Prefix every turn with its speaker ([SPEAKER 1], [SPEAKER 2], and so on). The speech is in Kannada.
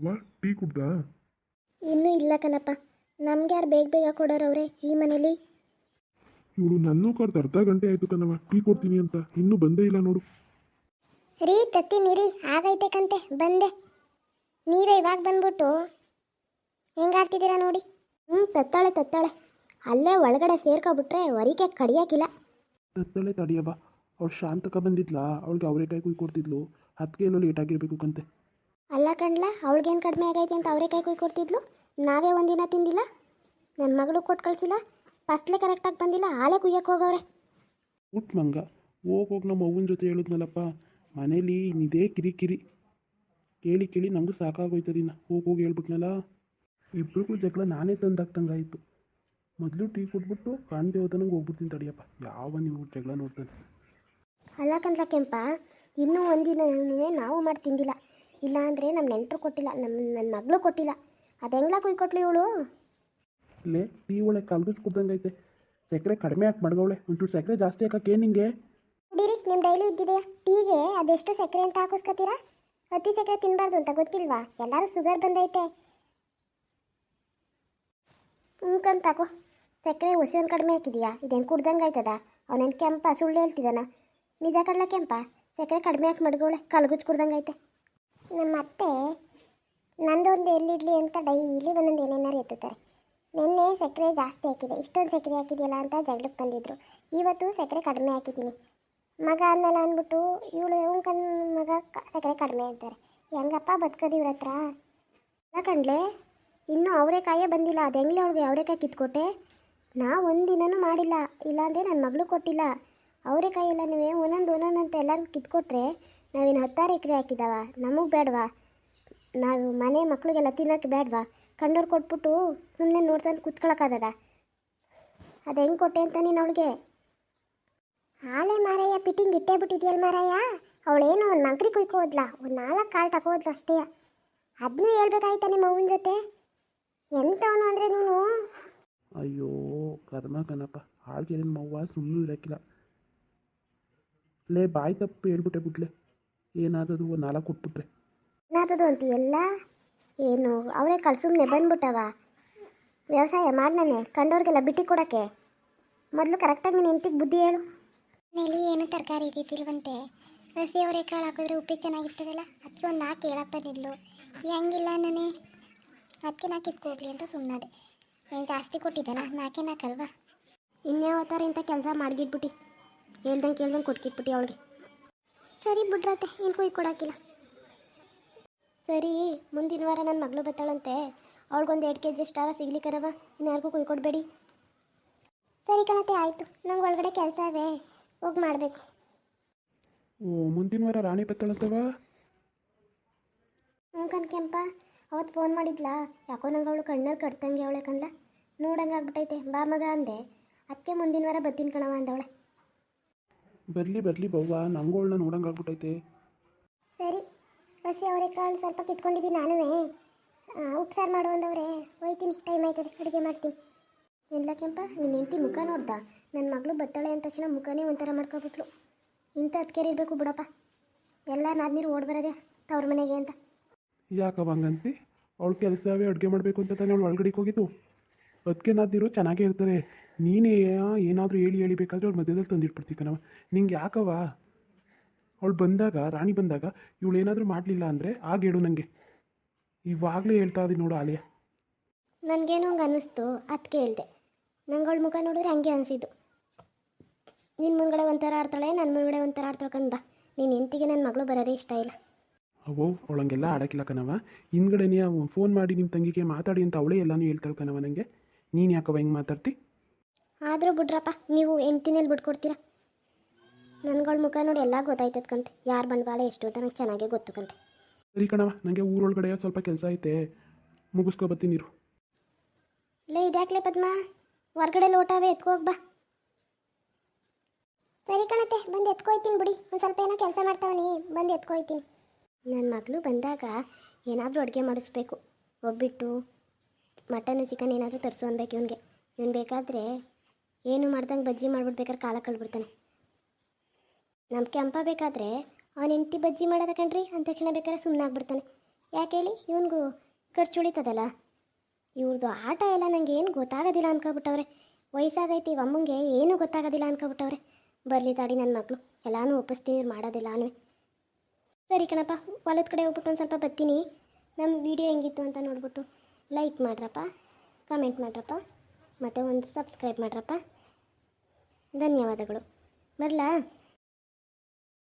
[SPEAKER 1] ವಾ ಟೀ ಕುಡ್ದಾ?
[SPEAKER 2] ಇನ್ನೂ ಇಲ್ಲ ಕಣಪ್ಪ. ನಮ್ಗೆ ಯಾರು ಬೇಗ ಬೇಗ ಕೊಡೋರವ್ರೆ ಈ ಮನೇಲಿ.
[SPEAKER 1] ಇವಳು ನನ್ನೂ ಕರೆದು ಅರ್ಧ ಗಂಟೆ ಆಯಿತು ಕಣವ, ಟೀ ಕೊಡ್ತೀನಿ ಅಂತ, ಇನ್ನೂ ಬಂದೇ ಇಲ್ಲ ನೋಡು.
[SPEAKER 2] ರೀ ತತ್ತೀನಿ ರೀ, ಆಗೈತೆ ಕಂತೆ ಬಂದೆ. ನೀವೇ ಇವಾಗ ಬಂದ್ಬಿಟ್ಟು ಹೆಂಗಾಡ್ತಿದ್ದೀರಾ ನೋಡಿ. ತತ್ತಾಳೆ ಅಲ್ಲೇ ಒಳಗಡೆ ಸೇರ್ಕೊಬಿಟ್ರೆ ಹೊರಿಕೆ ಕಡಿಯೋಕ್ಕಿಲ್ಲ.
[SPEAKER 1] ತತ್ತಳೆ ತಡಿಯವ, ಅವಳು ಶಾಂತಕ ಬಂದಿದ್ಲಾ, ಅವಳಿಗೆ ಅವರೆಕಾಯಿ ಕೊಡ್ತಿದ್ಲು, ಅದಕ್ಕೆ ಎಲ್ಲೋ ಲೇಟ್ ಆಗಿರ್ಬೇಕು ಕಂತೆ.
[SPEAKER 2] ಅಲ್ಲ ಕಣ್ಲ, ಅವಳಿಗೇನು ಕಡಿಮೆ ಆಗೈತೆ ಅಂತ ಅವರೆಕಾಯಿ ಕೊಡ್ತಿದ್ಲು. ನಾವೇ ಒಂದಿನ ತಿಂದಿಲ್ಲ, ನನ್ನ ಮಗಳು ಕೊಟ್ಟು ಕಳಿಸಿಲ್ಲ, ಫಸ್ಟ್ಲೆ ಕರೆಕ್ಟಾಗಿ ಬಂದಿಲ್ಲ, ಹಾಳೆ ಕುಯ್ಯಕ್ಕೆ ಹೋಗವ್ರೆ.
[SPEAKER 1] ಉಟ್ ಮಂಗ, ಹೋಗೋಗಿ ನಮ್ಮ ಅವ್ವನ ಜೊತೆ ಹೇಳಿದ್ನಲ್ಲಪ್ಪ, ಮನೇಲಿ ಇದೇ ಕಿರಿಕಿರಿ ಕೇಳಿ ಕೇಳಿ ನಮಗೂ ಸಾಕಾಗೋಯ್ತದಿನ. ಹೋಗಿ ಹೇಳ್ಬಿಟ್ನಲ್ಲ, ಇಬ್ರಿಗೂ ಜಗಳ ನಾನೇ ತಂದಾಗ್ತಂಗಾಯಿತು. ಮೊದಲು ಟೀ ಕೊಟ್ಬಿಟ್ಟು ಕಾಣದೆ ಹೋದನಂಗೆ ಹೋಗ್ಬಿಡ್ತೀನಿ ತಡಿಯಪ್ಪ, ಯಾವ ನೀವು ಜಗಳ ನೋಡ್ತಾನೆ.
[SPEAKER 2] ಅಲ್ಲ ಕಣ್ಲ ಕೆಂಪ, ಇನ್ನೂ ಒಂದಿನ ನಾವು ಮಾಡಿ ತಿಂದಿಲ್ಲ. ಇಲ್ಲ ಅಂದರೆ ನಮ್ಮ ನೆಂಟರು ಕೊಟ್ಟಿಲ್ಲ, ನನ್ನ ಮಗಳು ಕೊಟ್ಟಿಲ್ಲ. ಅದು ಹೆಂಗ್ಲ ಕುಯ್ಕೊಟ್ಲು ಇವಳು.
[SPEAKER 1] ಇಲ್ಲೇ ಟೀ ಒಳಗೆ ಕಲ್ಗುಜ್ ಕುಡ್ದಂಗೈತೆ, ಸಕ್ಕರೆ ಕಡಿಮೆ ಹಾಕಿ ಮಡ್ಗವಳೆ, ಒಂಚೂರು ಸಕ್ಕರೆ ಜಾಸ್ತಿ ಹಾಕಕ್ಕೆ ನಿಂಗೆ.
[SPEAKER 2] ಕುಡೀರಿ, ನಿಮ್ಮ ಡೈಲಿ ಇದ್ದಿದೆಯಾ ಟೀಗೆ ಅದೆಷ್ಟು ಸಕ್ಕರೆ ಅಂತ ಹಾಕಿಸ್ಕೊತೀರಾ? ಅತಿ ಸಕ್ಕರೆ ತಿನ್ನಬಾರ್ದು ಅಂತ ಗೊತ್ತಿಲ್ವಾ? ಎಲ್ಲರೂ ಶುಗರ್ ಬಂದೈತೆ. ತಗೋ, ಸಕ್ಕರೆ ಒಂದು ಕಡಿಮೆ ಹಾಕಿದೀಯಾ? ಇದೇನು ಕುಡ್ದಂಗೆ ಆಯ್ತದ? ಅವನೇನು ಕೆಂಪ ಸುಳ್ಳು ಹೇಳ್ತಿದ್ದಾನ? ನಿಜ ಕಡ್ಲ ಕೆಂಪ, ಸಕ್ಕರೆ ಕಡಿಮೆ ಹಾಕಿ ಮಡ್ಗೋಳೆ, ಕಲ್ಗುಜ್ ಕುಡ್ದಂಗೆ ಐತೆ. ನಮ್ಮ ಅತ್ತೆ ನಂದೊಂದು ಎಲ್ಲಿಡ್ಲಿ ಅಂತ ಡೈಲಿ ಒಂದೊಂದು ಏನೇನಾರು ಎತ್ತುತ್ತಾರೆ. ನಿನ್ನೆ ಸಕ್ಕರೆ ಜಾಸ್ತಿ ಹಾಕಿದೆ, ಇಷ್ಟೊಂದು ಸಕ್ಕರೆ ಹಾಕಿದೆಯಲ್ಲ ಅಂತ ಜಗಳಕ್ಕೆ ಬಂದಿದ್ರು. ಇವತ್ತು ಸಕ್ಕರೆ ಕಡಿಮೆ ಹಾಕಿದ್ದೀನಿ. ಮಗ ಅನ್ನಲ್ಲ ಅಂದ್ಬಿಟ್ಟು ಇವಳು ಕನ್ ಮಗ ಸಕ್ಕರೆ ಕಡಿಮೆ ಅಂತಾರೆ. ಹೆಂಗಪ್ಪ ಬದುಕೋದು ಇವ್ರ ಹತ್ರ? ಅಲ್ಲ ಕಣ್ಲೆ, ಇನ್ನೂ ಅವರೆಕಾಯೇ ಬಂದಿಲ್ಲ. ಅದು ಹೆಂಗ್ಲೆ ಅವಳಿಗೆ ಅವರೆಕಾಯಿ ಕಿತ್ಕೊಟ್ಟೆ? ನಾ ಒಂದಿನನೂ ಮಾಡಿಲ್ಲ, ಇಲ್ಲಾಂದರೆ ನನ್ನ ಮಗಳು ಕೊಟ್ಟಿಲ್ಲ. ಅವರೆಕಾಯಿ ಎಲ್ಲ ನೀವೇ ಒಂದೊಂದು ಅಂತ ಎಲ್ಲರಿಗೂ ಕಿತ್ಕೊಟ್ರೆ ನಾವೇನು 10 ಎಕರೆ ಹಾಕಿದಾವ? ನಮಗೆ ಬೇಡವಾ? ನಾವು ಮನೆ ಮಕ್ಕಳಿಗೆಲ್ಲ ತಿನ್ನೋಕ್ಕೆ ಬೇಡವಾ? ಕಂಡೋರು ಕೊಟ್ಬಿಟ್ಟು ಸುಮ್ಮನೆ ನೋಡ್ತಾನೆ ಕೂತ್ಕೊಳ್ಳೋಕ್ಕಾಗದ? ಅದು ಹೆಂಗೆ ಕೊಟ್ಟೆ ಅಂತ ನೀನು ಅವಳಿಗೆ? ಹಾಲೆ ಮಾರಯ್ಯ, ಪಿಟ್ಟಿಂಗ್ ಇಟ್ಟೇ ಬಿಟ್ಟಿದ್ಯಲ್ಲ ಮಾರಯ್ಯ. ಅವಳೇನು ಒಂದು ಮಂಕ್ರಿ ಕುಯ್ಕೋದ್ಲ, ಒಂದು 4 ಕಾಳು ತಗೋದ್ಲು ಅಷ್ಟೇ. ಅದನ್ನೂ ಹೇಳ್ಬೇಕಾಯ್ತಾ ನಿಮ್ಮ ಅವ್ವನ ಜೊತೆ? ಎಂಥವನು ಅಂದರೆ ನೀನು.
[SPEAKER 1] ಅಯ್ಯೋ ಕರ್ಮ ಕಣಪ್ಪ, ಹಾಳ್ಗೆ ನಿಮ್ಮ ಅವ್ವ ಸುಮ್ಮನೆ ಇರೋಕ್ಕಿಲ್ಲ. ಲೇ ಬಾಯಿ ತಪ್ಪು ಹೇಳ್ಬಿಟ್ಟೆ ಬಿಟ್ಲೆ, ಏನಾದದು ಒಂದು 4 ಕೊಟ್ಬಿಟ್ರೆ
[SPEAKER 2] ಏನಾದದು ಅಂತೀಯಲ್ಲ? ಏನು ಅವರೇ ಕಾಳು ಸುಮ್ಮನೆ ಬಂದ್ಬಿಟ್ಟವ? ವ್ಯವಸಾಯ ಮಾಡ್ನೇ ಕಂಡೋರಿಗೆಲ್ಲ ಬಿಟ್ಟು ಕೊಡೋಕ್ಕೆ. ಮೊದಲು ಕರೆಕ್ಟಾಗಿ ನೀನು ಹೆಂಡತಿಗೆ ಬುದ್ಧಿ ಹೇಳು. ಮನೇಲಿ ಏನು ತರಕಾರಿ ಇದ್ದಿಲ್ವಂತೆ, ಹಸಿ ಅವರೆಕಾಳು ಹಾಕಿದ್ರೆ ಉಪ್ಪಿಟ್ಟು ಚೆನ್ನಾಗಿರ್ತದಲ್ಲ, ಅದಕ್ಕೆ ಒಂದು 4 ಹೇಳಪ್ಪ ನಿಲ್ಲು. ಹೆಂಗಿಲ್ಲ ನಾನೇ ಅದಕ್ಕೆ 4 ಕಿತ್ಕೋಗ್ಲಿ ಅಂತ ಸುಮ್ಮನಾದೆ. ಏನು ಜಾಸ್ತಿ ಕೊಟ್ಟಿದ್ದಾನ? 4 ಅಲ್ವಾ? ಇನ್ಯಾವತ್ತಾರ ಇಂಥ ಕೆಲಸ ಮಾಡಿಗಿಟ್ಬಿಟ್ಟು ಕೇಳ್ದಂಗೆ ಕೊಟ್ಕಿಟ್ಬಿಟ್ಟು ಅವಳಿಗೆ. ಸರಿ ಬಿಡ್ರತ್ತೆ, ಏನು ಕೊಡೋಕ್ಕಿಲ್ಲ. ಸರಿ, ಮುಂದಿನ ವಾರ ನನ್ನ ಮಗಳು ಬರ್ತಾಳಂತೆ, ಅವಳಿಗೊಂದು 2 kg ಅಷ್ಟಾರ ಸಿಗ್ಲಿಕ್ಕರವ, ಇನ್ಯಾರಿಗೂ ಕೊಡಬೇಡಿ. ಸರಿ ಕಣತೆ, ಆಯಿತು. ನಂಗೆ ಒಳಗಡೆ ಕೆಲಸ ಅವೇ, ಹೋಗಿ ಮಾಡಬೇಕು.
[SPEAKER 1] ಓ, ಮುಂದಿನ ವಾರ ರಾಣಿ ಬತ್ತಾಳಂತವ?
[SPEAKER 2] ಕೆಂಪ ಅವತ್ತು ಫೋನ್ ಮಾಡಿದ್ಲಾ? ಯಾಕೋ ನಂಗೆ ಅವಳು ಕಣ್ಣಲ್ಲಿ ಕಟ್ತಂಗೆ ಅವಳೆ ಕಣ್ಲ, ನೋಡಂಗೆ ಆಗ್ಬಿಟ್ಟೈತೆ. ಬಾ ಮಗ ಅಂದೆ, ಅದಕ್ಕೆ ಮುಂದಿನ ವಾರ ಬರ್ತೀನಿ ಕಣವ ಅಂದವಳೆ.
[SPEAKER 1] ಬರಲಿ ಬವ್ವ, ನಂಗೋಳನ್ನ ನೋಡಂಗೆ ಆಗ್ಬಿಟ್ಟೈತೆ.
[SPEAKER 2] ಸರಿ, ಹಸಿ ಅವರೆಕಾಳು ಸ್ವಲ್ಪ ಕಿತ್ಕೊಂಡಿದ್ದೀನಿ ನಾನು. ಉಪ್ಸಾರು ಮಾಡು ಅಂದವ್ರೆ, ಹೋಯ್ತೀನಿ, ಟೈಮ್ ಆಯ್ತದೆ, ಅಡುಗೆ ಮಾಡ್ತೀನಿ. ಎಲ್ಲ ಕೆಂಪ, ನಿನ್ನ ಹೆಂಡತಿ ಮುಖ ನೋಡ್ದ? ನನ್ನ ಮಗಳು ಬತ್ತಾಳೆ ಅಂದ ತಕ್ಷಣ ಮುಖನೇ ಒಂಥರ ಮಾಡ್ಕೊಬಿಟ್ಲು. ಇಂಥ ಅದಕ್ಕೆ ಇರಬೇಕು ಬಿಡಪ್ಪ, ಎಲ್ಲ ನಾದ್ನೀರು ಓಡ್ ಬರೋದೆ ತವ್ರ ಮನೆಗೆ ಅಂತ.
[SPEAKER 1] ಯಾಕವ ಹಂಗಂತಿ? ಅವಳು ಕೆಲಸವೇ ಅಡುಗೆ ಮಾಡಬೇಕು ಅಂತ ತಾನೇ ಅವಳು ಒಳಗಡೆಗೆ ಹೋಗಿದ್ದು. ಅದಕ್ಕೆ ನಾದಿರು ಚೆನ್ನಾಗೇ ಇರ್ತಾರೆ. ನೀನೇ ಏನಾದರೂ ಹೇಳಿ ಬೇಕಾದರೆ ಅವ್ಳು ಮಧ್ಯದಲ್ಲಿ ತಂದಿಟ್ಬಿಡ್ತೀವಿ ಕಣವ. ನಿಂಗೆ ಯಾಕವ? ಅವಳು ಬಂದಾಗ, ರಾಣಿ ಬಂದಾಗ ಇವಳು ಏನಾದರೂ ಮಾಡಲಿಲ್ಲ ಅಂದರೆ ಆಗ ಹೇಳು ನನಗೆ. ಇವಾಗಲೇ ಹೇಳ್ತಾ ಇದ್ದೀನಿ ನೋಡು ಆಲಿಯಾ.
[SPEAKER 2] ನನಗೇನೋ ಹಂಗೆ ಅನ್ನಿಸ್ತು, ಅದಕ್ಕೆ ಹೇಳ್ದೆ. ನಂಗೆ ಅವಳ ಮುಖ ನೋಡಿದ್ರೆ ಹಂಗೆ ಅನಿಸಿದ್ದು. ನಿನ್ನ ಮುಂದ್ಗಡೆ ಒಂಥರ ಆಡ್ತಾಳೆ, ನನ್ನ ಮುಂದ್ಗಡೆ ಒಂಥರ ಆಡ್ತಾಳೆ ಬಾ. ನಿನ್ನ ಹೆಂಡತಿಗೆ ನನ್ನ ಮಗಳು ಬರೋದೇ ಇಷ್ಟ ಇಲ್ಲ.
[SPEAKER 1] ಅವೋ ಅವಳಂಗೆಲ್ಲ ಆಡೋಕ್ಕಿಲ್ಲ ಕಣವ. ಹಿಂದ್ಗಡೆನೇ ಫೋನ್ ಮಾಡಿ ನಿಮ್ಮ ತಂಗಿಗೆ ಮಾತಾಡಿ ಅಂತ ಅವಳೇ ಎಲ್ಲನೂ ಹೇಳ್ತಾಳೆ ಕಣವ ನನಗೆ. ನೀನು ಯಾಕವ ಹಿಂಗೆ ಮಾತಾಡ್ತಿ?
[SPEAKER 2] ಆದರೂ ಬಿಡ್ರಪ್ಪ, ನೀವು ಹೆಂಡ್ತಿನಲ್ಲಿ ಬಿಟ್ಕೊಡ್ತೀರಾ? ನನ್ಗಳ ಮುಖ ನೋಡಿ ಎಲ್ಲ ಗೊತ್ತಾಯ್ತದ್ಕಂತೆ, ಯಾರು ಬಂಡವಾಳ ಎಷ್ಟು ಅಂತ ನಂಗೆ ಚೆನ್ನಾಗೇ ಗೊತ್ತು ಕಂತೆ.
[SPEAKER 1] ಸರಿ ಕಣವ, ನನಗೆ ಊರೊಳಗಡೆ ಸ್ವಲ್ಪ ಕೆಲಸ ಐತೆ, ಮುಗಿಸ್ಕೊ ಬರ್ತೀನಿ ನೀರು.
[SPEAKER 2] ಲೇ ಇದ್ಯಾಕ್ಲೆ ಪದ್ಮ, ಹೊರ್ಗಡೆ ಲೋಟವೇ ಎತ್ಕೋಗಿ ಬಾ. ಸರಿ ಕಣತೆ, ಬಂದು ಎತ್ಕೊಯ್ತೀನಿ ಬಿಡಿ. ಒಂದು ಸ್ವಲ್ಪ ಏನೋ ಕೆಲಸ ಮಾಡ್ತಾವನಿ, ಬಂದು ಎತ್ಕೊಯ್ತೀನಿ. ನನ್ನ ಮಗಳು ಬಂದಾಗ ಏನಾದರೂ ಅಡುಗೆ ಮಾಡಿಸ್ಬೇಕು. ಒಬ್ಬಿಟ್ಟು ಮಟನು ಚಿಕನ್ ಏನಾದರೂ ತರಿಸು ಅನ್ಬೇಕು ಇವನಿಗೆ. ಇವನು ಬೇಕಾದರೆ ಏನು ಮಾಡ್ದಂಗೆ ಬಜ್ಜಿ ಮಾಡ್ಬಿಡ್ಬೇಕಾದ್ರೆ ಕಾಲ ಕಳ್ಬಿಡ್ತಾನೆ. ನಮ್ಮ ಕೆಂಪ ಬೇಕಾದರೆ ಅವನ ಹೆಂಡತಿ ಬಜ್ಜಿ ಮಾಡೋದ ಕಣ್ರಿ ಅಂತ ತಕ್ಷಣ ಬೇಕಾದ್ರೆ ಸುಮ್ಮನೆ ಆಗ್ಬಿಡ್ತಾನೆ. ಯಾಕೆ ಹೇಳಿ, ಇವನಿಗೂ ಖರ್ಚು ಉಳಿತದಲ್ಲ. ಇವ್ರದ್ದು ಆಟ ಎಲ್ಲ ನನಗೆ ಏನು ಗೊತ್ತಾಗೋದಿಲ್ಲ ಅನ್ಕೊಬಿಟ್ಟವ್ರೆ. ವಯಸ್ಸಾಗೈತಿ ಇವ ಅಮ್ಮಂಗೆ ಏನೂ ಗೊತ್ತಾಗೋದಿಲ್ಲ ಅನ್ಕೊಬಿಟ್ಟವ್ರೆ. ಬರಲಿ ತಾಡಿ ನನ್ನ ಮಗಳು, ಎಲ್ಲನೂ ಒಪ್ಪಿಸ್ತೀವಿ, ಇವ್ರು ಮಾಡೋದಿಲ್ಲ. ಸರಿ ಕಣಪ್ಪ, ಹೊಲದ ಕಡೆ ಹೋಗ್ಬಿಟ್ಟು ಒಂದು ಸ್ವಲ್ಪ ಬರ್ತೀನಿ. ನಮ್ಮ ವಿಡಿಯೋ ಹೆಂಗಿತ್ತು ಅಂತ ನೋಡ್ಬಿಟ್ಟು ಲೈಕ್ ಮಾಡ್ರಪ್ಪ, ಕಮೆಂಟ್ ಮಾಡ್ರಪ್ಪ, ಮತ್ತು ಒಂದು ಸಬ್ಸ್ಕ್ರೈಬ್ ಮಾಡ್ರಪ್ಪ. ಧನ್ಯವಾದಗಳು. ಬರಲಾ?